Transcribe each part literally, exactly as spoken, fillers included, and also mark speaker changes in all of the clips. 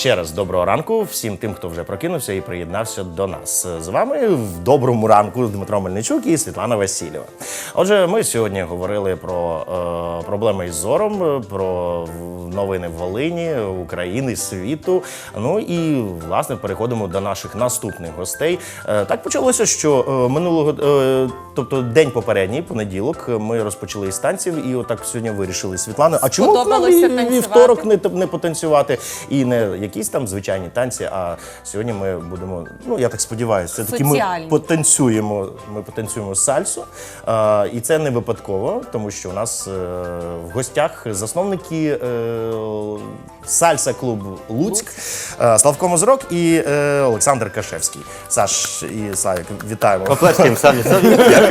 Speaker 1: ще раз доброго ранку всім тим, хто вже прокинувся і приєднався до нас. З вами в доброму ранку Дмитро Мельничук і Світлана Васильєва. Отже, ми сьогодні говорили про е, проблеми із зором, про новини Волині, України, світу. Ну і, власне, переходимо до наших наступних гостей. Е, так почалося, що е, минулого, е, тобто день попередній, понеділок, ми розпочали із танців і отак сьогодні вирішили, Світлана, а чому б нам і вівторок не, не потанцювати? І не якісь там звичайні танці, а сьогодні ми будемо, ну я так сподіваюся, все-таки ми потанцюємо, ми потанцюємо сальсу. А, і це не випадково, тому що у нас е, в гостях засновники е, сальса-клубу Луцьк, е, Славко Мозрок і е, Олександр Кашевський. Саш і Славік, вітаємо.
Speaker 2: Поплескаємо самі собі.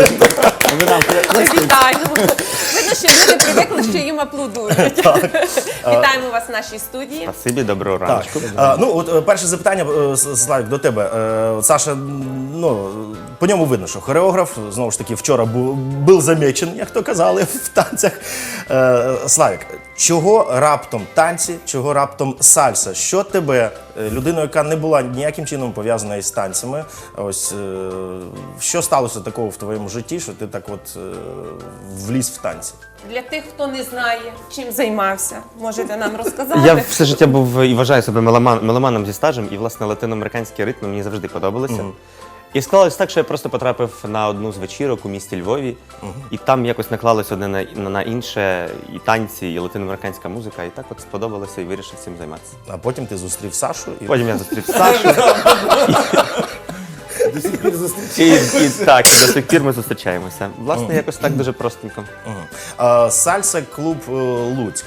Speaker 3: Вітаємо. Видно, що люди привикли, що їм аплодують. Вітаємо вас в нашій студії.
Speaker 2: Спасибі, доброго ранку.
Speaker 1: А, ну, от перше запитання, Славік, до тебе. Е, Саша, ну, по ньому видно, що хореограф, знову ж таки, вчора був, був замечен, як то казали, в танцях. Е, Славік, чого раптом танці, чого раптом сальса? Що тебе, людину, яка не була ніяким чином пов'язана із танцями, ось, е, що сталося такого в твоєму житті, що ти так от е, вліз в танці?
Speaker 3: Для тих, хто не знає, чим займався, можете нам розказати?
Speaker 2: Я все життя був і вважаю себе меломан, меломаном зі стажем, і, власне, латиноамериканські ритми мені завжди подобалися. Mm. І склалось так, що я просто потрапив на одну з вечірок у місті Львові, uh-huh. і там якось наклалось одне на, на, на інше, і танці, і латиноамериканська музика, і так от сподобалося і вирішив цим займатися.
Speaker 1: А потім ти зустрів Сашу? І...
Speaker 2: Потім я зустрів Сашу.
Speaker 1: До сих пір зустрічаємося.
Speaker 2: І, і, так, і до сих пір ми зустрічаємося. Власне, uh-huh. якось так дуже простенько.
Speaker 1: Uh-huh. Сальса-клуб Луцьк.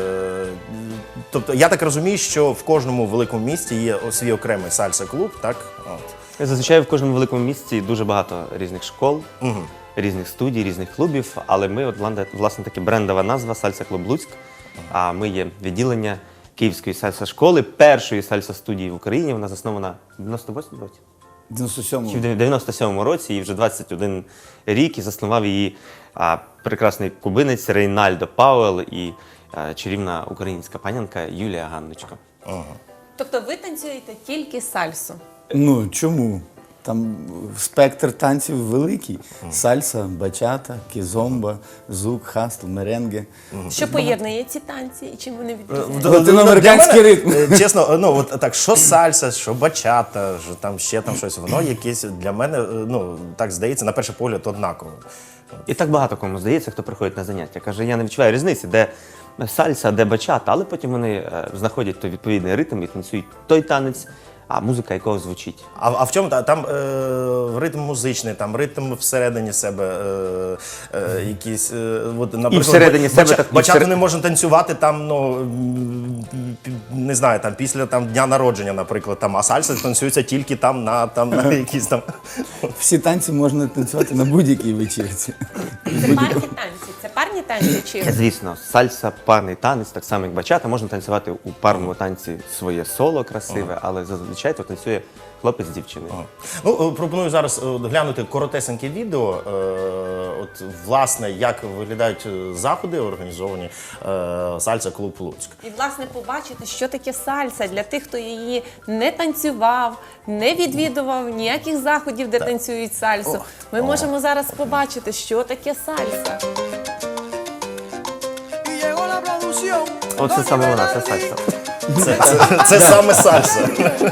Speaker 1: Тобто, я так розумію, що в кожному великому місті є свій окремий сальса-клуб, так? От.
Speaker 2: Зазвичай в кожному великому місті дуже багато різних школ, uh-huh. різних студій, різних клубів, але ми, от, власне, таки брендова назва «Сальса-клуб Луцьк», uh-huh. а ми є відділення Київської сальса-школи, першої сальса-студії в Україні. Вона заснована в дев'яносто восьмому році.
Speaker 4: дев'яносто
Speaker 2: в дев'яносто сьомому році, і вже двадцять один рік, і заснував її а, прекрасний кубинець Рейнальдо Пауел і а, чарівна українська панянка Юлія Ганночко.
Speaker 1: Ага.
Speaker 3: Тобто ви танцюєте тільки сальсу?
Speaker 4: Ну, чому? Там спектр танців великий. Mm. Сальса, бачата, кізомба, зук, хастл, меренге.
Speaker 3: Mm. Що поєднує ці танці і чим вони відрізняються?
Speaker 4: Латиноамериканський ритм.
Speaker 1: Чесно, ну от так, що сальса, що бачата, що там ще там щось, воно якесь для мене, ну, так здається, на перший погляд однаково.
Speaker 2: І так багато кому здається, хто приходить на заняття. Каже, я не відчуваю різниці, де сальса, де бачата, але потім вони е, знаходять той відповідний ритм і танцюють той танець, а музика якого звучить.
Speaker 1: А, а в чому там е, ритм музичний, там ритм всередині себе, е, е, якісь, е, от, наприклад,
Speaker 2: і всередині
Speaker 1: бача,
Speaker 2: себе так,
Speaker 1: бачату
Speaker 2: всер...
Speaker 1: не можна танцювати там, ну, не знаю, там після там дня народження, наприклад, там, а сальса танцюється тільки там на там на якісь там.
Speaker 4: Всі танці можна танцювати на будь-якій вечірці.
Speaker 3: Це парні танці, це парні танці чи?
Speaker 2: Звісно, сальса, парний танець, так само як бачата, можна танцювати у парному танці своє соло красиве, але зазвичай то танцює хлопець з дівчиною.
Speaker 1: Ага. Ну, пропоную зараз глянути коротесеньке відео, е, от, власне, як виглядають заходи, організовані е, Сальса-клуб Луцьк.
Speaker 3: І, власне, побачити, що таке сальса для тих, хто її не танцював, не відвідував ніяких заходів, де так танцюють сальсу. О. Ми О. можемо зараз побачити, що таке сальса.
Speaker 2: Оце саме вона, це сальса.
Speaker 1: Це, це, це саме сальса.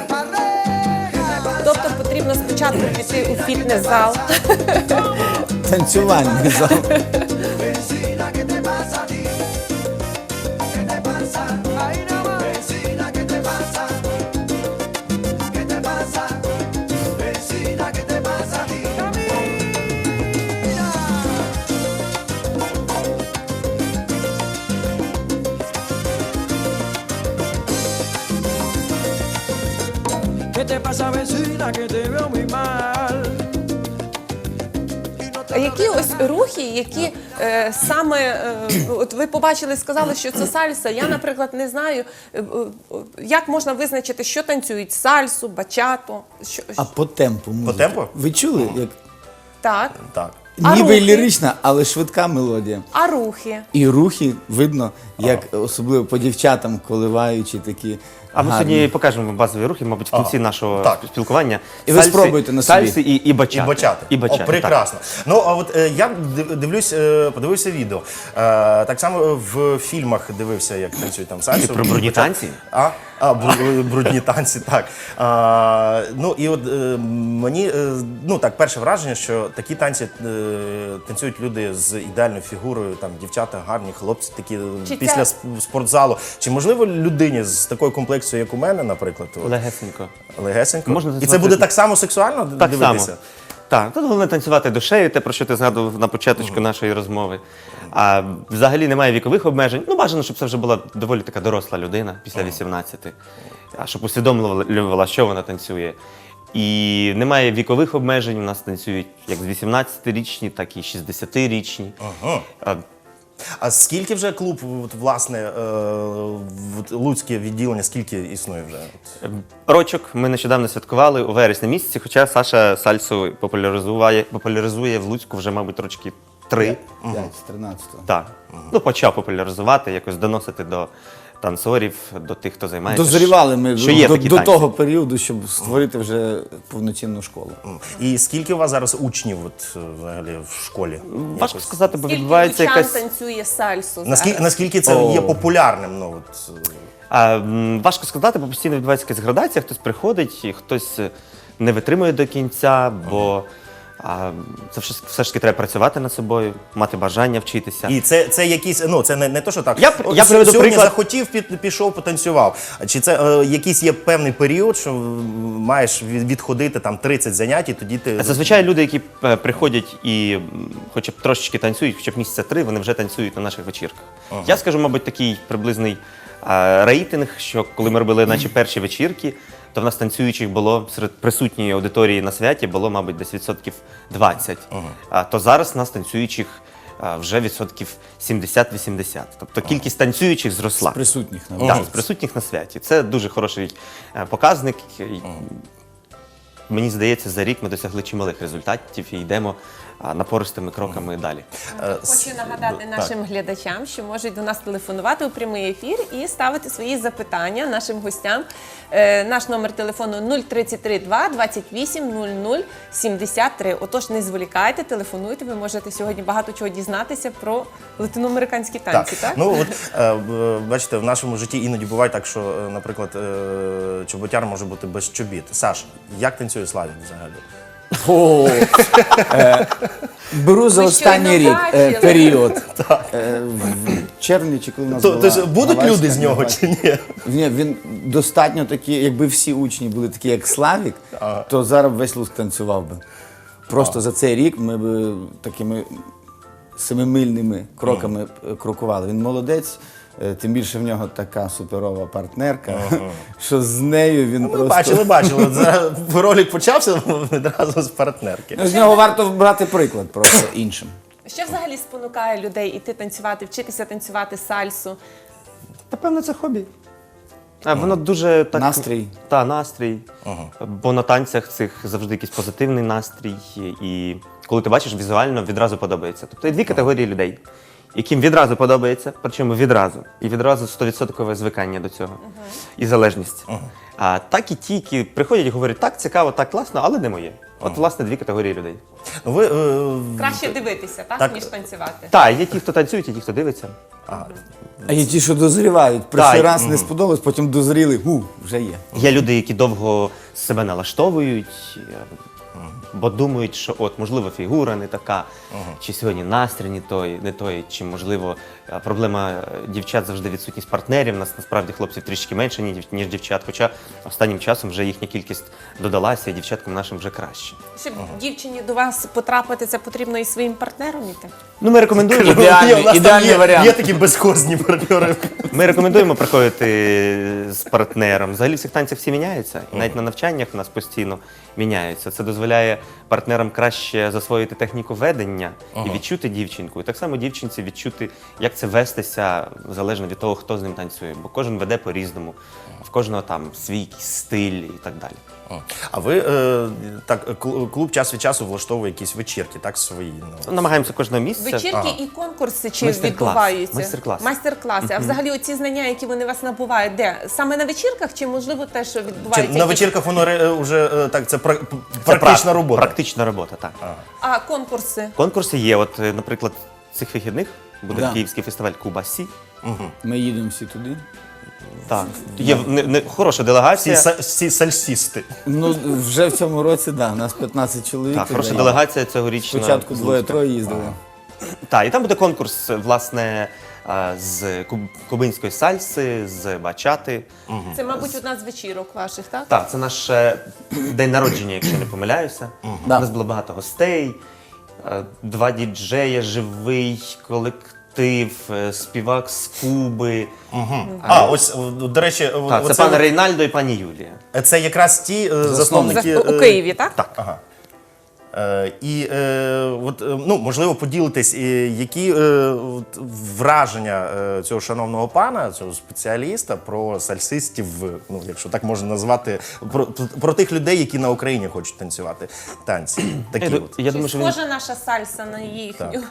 Speaker 3: Тобто потрібно спочатку піти у фітнес-зал.
Speaker 4: Танцювальний зал.
Speaker 3: А які ось рухи, які е, саме, е, от ви побачили, сказали, що це сальса. Я, наприклад, не знаю, е, е, як можна визначити, що танцюють сальсу, бачату. Що,
Speaker 4: А по темпу музики.
Speaker 1: По темпу?
Speaker 4: Ви чули? Як...
Speaker 3: Так.
Speaker 1: Так.
Speaker 3: А
Speaker 4: Ніби
Speaker 3: рухи?
Speaker 4: лірична, але швидка мелодія.
Speaker 3: А рухи?
Speaker 4: І рухи видно, як особливо по дівчатам коливаючі такі
Speaker 2: А ми
Speaker 4: Гарні.
Speaker 2: сьогодні покажемо базові рухи, мабуть, в кінці нашого
Speaker 1: так.
Speaker 2: спілкування.
Speaker 4: І ви спробуйте на собі.
Speaker 2: Сальси і, і бачати.
Speaker 1: І бачати.
Speaker 2: І бачати,
Speaker 1: О, прекрасно. Ну, а от е, я див- дивлюсь, е, подивився відео. Е, так само в фільмах дивився, як танцюють там сальсу.
Speaker 2: Ти про брудні танці?
Speaker 1: А, а бру- брудні танці, так. А, ну, і от е, мені, е, ну, так, перше враження, що такі танці е, танцюють люди з ідеальною фігурою, там, дівчата гарні, хлопці такі
Speaker 3: Чи
Speaker 1: після
Speaker 3: це-
Speaker 1: сп- спортзалу. Чи можливо людині з такою комплекцією, як у мене, наприклад, от,
Speaker 2: Легесенько.
Speaker 1: легесенько?
Speaker 2: Можна
Speaker 1: І це
Speaker 2: танцювати-
Speaker 1: буде так само сексуально
Speaker 2: Так
Speaker 1: дивитися?
Speaker 2: само. Так, тут головне танцювати душею, те, про що ти згадував на початку нашої розмови. А взагалі немає вікових обмежень. Ну, бажано, щоб це вже була доволі така доросла людина після вісімнадцяти, а щоб усвідомлювала, що вона танцює. І немає вікових обмежень. У нас танцюють як з вісімнадцятирічні, так і шістдесятирічні.
Speaker 1: Ага.
Speaker 2: А,
Speaker 1: А скільки вже клуб, от, власне, е, от, Луцьке відділення, скільки існує вже?
Speaker 2: Рочок ми нещодавно святкували у вересні місяці, хоча Саша сальсу популяризує, популяризує в Луцьку вже, мабуть, рочки три.
Speaker 4: п'ять з тринадцятого.
Speaker 2: Так. Ну, почав популяризувати, якось доносити до танцорів, до тих, хто займається.
Speaker 4: Дозрівали ми
Speaker 2: що є
Speaker 4: до,
Speaker 2: такі
Speaker 4: до
Speaker 2: танці.
Speaker 4: того періоду, щоб створити вже повноцінну школу.
Speaker 1: І скільки у вас зараз учнів от, е, взагалі в школі?
Speaker 2: Важко
Speaker 1: Якось?
Speaker 2: сказати, бо
Speaker 3: Скільки
Speaker 2: відбувається
Speaker 3: лучан
Speaker 2: якась.
Speaker 3: танцює сальсу
Speaker 1: Наскільки,
Speaker 3: зараз?
Speaker 1: наскільки це
Speaker 4: О.
Speaker 1: є популярним? Ну, от, е,
Speaker 2: А, м, важко сказати, бо постійно відбувається якась градація, хтось приходить, і хтось е, не витримує до кінця, бо а, це все, все ж таки треба працювати над собою, мати бажання вчитися.
Speaker 1: і це, це якісь, ну це не, не то, що так.
Speaker 2: Я-
Speaker 1: от
Speaker 2: я приведу
Speaker 1: сьогодні
Speaker 2: приклад.
Speaker 1: захотів, під, пішов, потанцював. Чи це е, якийсь є певний період, що м, маєш від- відходити там тридцять занять, і тоді ти.
Speaker 2: Зазвичай люди, які е, приходять і м, хоча б трошечки танцюють, хоча б місяця три, вони вже танцюють на наших вечірках. Я скажу, мабуть, такий приблизний е, рейтинг, що коли ми робили наші перші вечірки, то в нас танцюючих було серед присутньої аудиторії на святі було, мабуть, десь відсотків двадцять. А то зараз в нас танцюючих е, вже відсотків сімдесят-вісімдесят. Тобто кількість танцюючих зросла.
Speaker 4: Присутніх на
Speaker 2: Так, з присутніх на святі. Це дуже хороший е, показник. І, Мені здається, за рік ми досягли чималих результатів і йдемо а, напористими кроками далі.
Speaker 1: Е, с-
Speaker 3: Хочу нагадати нашим глядачам, що можуть до нас телефонувати у прямий ефір і ставити свої запитання нашим гостям. Е, наш номер телефону нуль тридцять три два двадцять вісім нуль нуль сімдесят три. Отож, не зволікайте, телефонуйте. Ви можете сьогодні багато чого дізнатися про латиноамериканські танці. Так,
Speaker 1: Ну от е, б- бачите, в нашому житті іноді буває так, що, е, наприклад, е, чоботяр може бути без чобіт. Саш, як танцює Славік взагалі?
Speaker 4: О, е, беру за
Speaker 3: Ви
Speaker 4: останній
Speaker 3: щойно
Speaker 4: рік е,
Speaker 3: бачили.
Speaker 4: період. Е, в червні чи коли у нас
Speaker 1: То,
Speaker 4: була
Speaker 1: то будуть
Speaker 4: Гавайська
Speaker 1: люди з нього
Speaker 4: Гавайська.
Speaker 1: чи ні?
Speaker 4: Ні, він достатньо такі, якби всі учні були такі, як Славік, то зараз весь Луцьк танцював би. Просто за цей рік ми б такими семимильними кроками е, крокували. Він молодець, е, тим більше в нього така суперова партнерка, що з нею він
Speaker 1: Ми
Speaker 4: просто...
Speaker 1: бачили, бачили. От зараз ролик почався відразу з партнерки.
Speaker 4: Ну, з нього варто брати приклад просто іншим.
Speaker 3: що взагалі спонукає людей іти танцювати, вчитися танцювати сальсу?
Speaker 2: Та певно, це хобі. А, воно дуже так.
Speaker 4: Настрій.
Speaker 2: Та, настрій. Бо на танцях цих завжди якийсь позитивний настрій. І коли ти бачиш, візуально відразу подобається. Тобто є дві категорії людей, яким відразу подобається, причому відразу. І відразу сто відсотків звикання до цього. І залежність. А так і ті, які приходять і говорять, так, цікаво, так класно, але не моє. От, власне, дві категорії людей.
Speaker 1: Ну, ви, е,
Speaker 3: Краще дивитися, так,
Speaker 1: Так.
Speaker 3: ніж танцювати.
Speaker 2: Так, є ті, хто танцюють, є ті, хто дивиться.
Speaker 4: А є ті, що дозрівають. Перший
Speaker 2: Так.
Speaker 4: раз не сподобалось, потім дозріли, гу, вже є.
Speaker 2: Є люди, які довго себе налаштовують, е, бо думають, що от, можливо, фігура не така, чи сьогодні настрій не той, не той, чи, можливо, е, проблема е, дівчат завжди відсутність партнерів. У нас насправді хлопців трішки менше, ні- ніж дівчат, хоча останнім часом вже їхня кількість додалася, і дівчаткам нашим вже краще.
Speaker 3: Щоб дівчині до вас потрапити, це потрібно і своїм партнером іти.
Speaker 2: Ну, ми рекомендуємо,
Speaker 4: Ідеальний-
Speaker 1: Є, у нас там
Speaker 4: ідеальний
Speaker 1: є,
Speaker 4: варіант.
Speaker 1: Є такі безхозні партнери.
Speaker 2: ми рекомендуємо приходити з партнером. Взагалі в цих танцях всі міняються. І навіть на навчаннях у нас постійно міняються. Це дозволяє партнерам краще засвоїти техніку ведення і відчути дівчинку. І так само дівчинці відчути, як це вестися, залежно від того, хто з ним танцює. Бо кожен веде по-різному, в кожного там свій якийсь стиль і так далі.
Speaker 1: А ви е, так, кл- клуб час від часу влаштовує якісь вечірки, так, свої? Ну.
Speaker 2: Намагаємося кожного місяця
Speaker 3: вечірки і конкурси чи
Speaker 2: Майстер-клас.
Speaker 3: відбуваються?
Speaker 2: Майстер-клас.
Speaker 3: Майстер-класи. А взагалі оці знання, які вони вас набувають, де? Саме на вечірках чи, можливо, те, що
Speaker 1: Чи
Speaker 3: відбувається?
Speaker 1: на
Speaker 3: якісь-
Speaker 1: вечірках воно ре- вже е, так, це пра-
Speaker 2: Це
Speaker 1: практична
Speaker 2: прак-
Speaker 1: робота.
Speaker 2: Практична робота, так.
Speaker 3: А конкурси?
Speaker 2: Конкурси є. От, е, наприклад, цих вихідних буде
Speaker 4: Да.
Speaker 2: київський фестиваль Куба Сі.
Speaker 4: Ми їдемо всі туди.
Speaker 2: Так. Є не, не, хороша
Speaker 1: Всі,
Speaker 2: делегація.
Speaker 1: са- всі сальсісти.
Speaker 4: Ну, вже в цьому році, да, у нас п'ятнадцять чоловік.
Speaker 2: Так,
Speaker 4: туди.
Speaker 2: хороша делегація цьогорічна.
Speaker 4: Спочатку
Speaker 2: з
Speaker 4: двоє-троє їздили.
Speaker 2: Так, і там буде конкурс, власне, а, з куб- кубинської сальси, з бачати.
Speaker 3: Це, мабуть, одна з вечірок ваших, так?
Speaker 2: Так, це наш е, день народження, якщо не помиляюся. У
Speaker 4: Да.
Speaker 2: нас було багато гостей, е, два діджея, живий колектив, е, співак з Куби.
Speaker 1: А, ось, о, до речі, о,
Speaker 2: Так, це
Speaker 1: оце
Speaker 2: пан
Speaker 1: от-
Speaker 2: Рейнальдо і пані Юлія.
Speaker 1: це якраз ті е, засновники.
Speaker 3: За- у
Speaker 1: е,
Speaker 3: Києві, так?
Speaker 2: Так.
Speaker 1: Ага. Е, і е, от, е, ну, можливо, поділитись, е, які е, от, враження е, цього шановного пана, цього спеціаліста про сальсистів, ну, якщо так можна назвати, про, про тих людей, які на Україні хочуть танцювати танці. Такі
Speaker 2: Я, ду-
Speaker 1: от.
Speaker 2: я думаю, що він...
Speaker 3: Схожа наша сальса на їхню.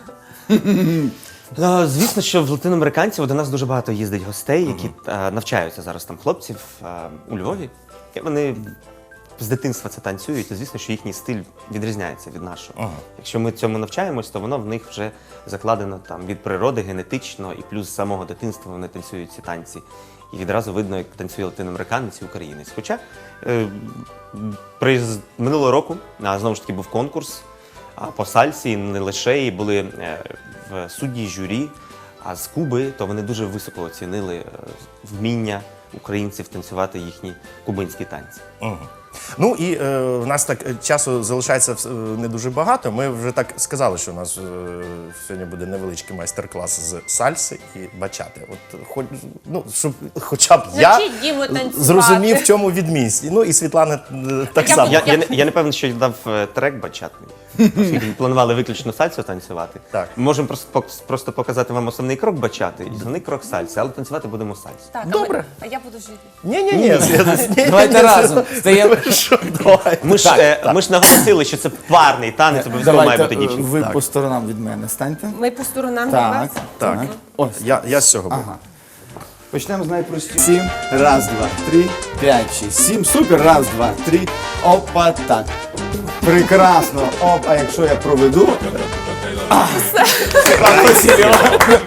Speaker 2: Е, Звісно, що в латиноамериканців до нас дуже багато їздить гостей, які е, навчаються зараз там хлопців е, у Львові. І вони з дитинства це танцюють, і звісно, що їхній стиль відрізняється від нашого. Якщо ми цьому навчаємось, то воно в них вже закладено там від природи, генетично, і плюс з самого дитинства вони танцюють ці танці. І відразу видно, як танцює латиноамериканець і українець. Хоча е, при, минулого року, а, знову ж таки, був конкурс а, по сальсі, не лише, і були е, в судді журі, а з Куби, то вони дуже високо оцінили е, вміння українців танцювати їхні кубинські танці.
Speaker 1: Мгм. Ну і е, в нас так е, часу залишається е, не дуже багато. Ми вже так сказали, що у нас е, сьогодні буде невеличкий майстер-клас з сальси і бачати. От хоч ну щоб хоча б я
Speaker 3: Навчіть Діму танцювати.
Speaker 1: зрозумів, в чому відмінність. Ну і Світлана е, так
Speaker 3: Я
Speaker 1: само.
Speaker 2: Я, я, не, я не певен, що дав е, трек бачатний, оскільки ми планували виключно сальсу танцювати.
Speaker 1: Так.
Speaker 2: Ми можемо просто, пок- просто показати вам основний крок бачати і основний крок сальси, але танцювати будемо сальсу.
Speaker 3: Так, а
Speaker 1: Добре.
Speaker 3: ми- А я буду жити.
Speaker 1: Ні, ні, ні,
Speaker 4: Давайте разом. Стаємо.
Speaker 1: Давай.
Speaker 2: Ми ж, е, ми ж наголосили, що це парний танець, обов'язково має
Speaker 4: Давайте
Speaker 2: бути
Speaker 4: е,
Speaker 2: дівчинка.
Speaker 4: ви по сторонам від мене станьте.
Speaker 3: Ми по сторонам від
Speaker 4: Так,
Speaker 3: вас.
Speaker 1: Так.
Speaker 4: Ось.
Speaker 1: Я, я з цього був.
Speaker 4: Ага. Почнемо з найпростішого. Сім. Раз, два, три, п'ять, шість, сім. Супер. Раз, два, три. Опа, так. Прекрасно. Оп, а якщо я проведу. А, Світлана Васильівна.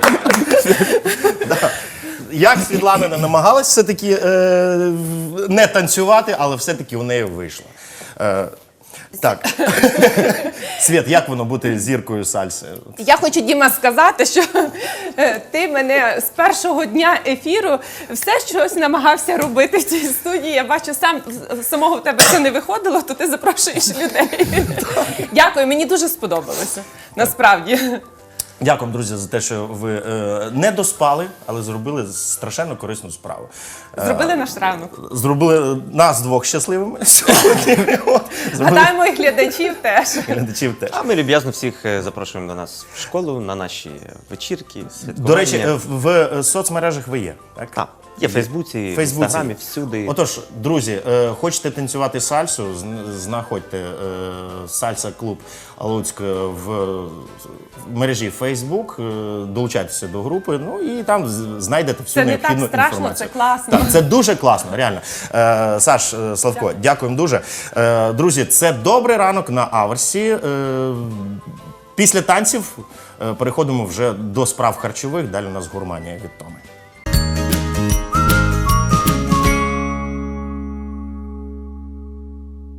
Speaker 1: Як Світлана не намагалась все-таки е, не танцювати, але все-таки у неї вийшло. Е, так. Світ, як воно бути зіркою сальси?
Speaker 3: Я хочу, Діма, сказати, що е, ти мене з першого дня ефіру все щось намагався робити в цій студії. Я бачу, сам з- самого в тебе це не виходило, то ти запрошуєш людей. Дякую, мені дуже сподобалося. Насправді.
Speaker 1: Дякую, друзі, за те, що ви е, не доспали, але зробили страшенно корисну справу.
Speaker 3: Зробили наш ранок.
Speaker 1: Зробили нас двох щасливими сьогодні. От. Зробили
Speaker 3: Гадаємо, і глядачів теж.
Speaker 1: глядачів теж.
Speaker 2: А ми люб'язно всіх е, запрошуємо до нас в школу, на наші вечірки, святкування.
Speaker 1: До речі, е, в, в соцмережах ви є, так?
Speaker 2: Так, є в Фейсбуці, в
Speaker 1: Фейсбуці.
Speaker 2: Інстаграмі, всюди.
Speaker 1: Отож, друзі, е, хочете танцювати сальсу, зн- знаходьте е, сальса-клуб Луцьк в, в мережі Facebook, е, долучайтеся до групи, ну і там з- знайдете всю
Speaker 3: Це не так
Speaker 1: необхідну
Speaker 3: страшно,
Speaker 1: інформацію.
Speaker 3: це класно.
Speaker 1: Так, це дуже класно, реально. Е, Саш, е, Славко, дякуємо дуже. Е, друзі, це добрий ранок на Аверсі. Е, після танців е, переходимо вже до справ харчових, далі у нас гурманія від Томи.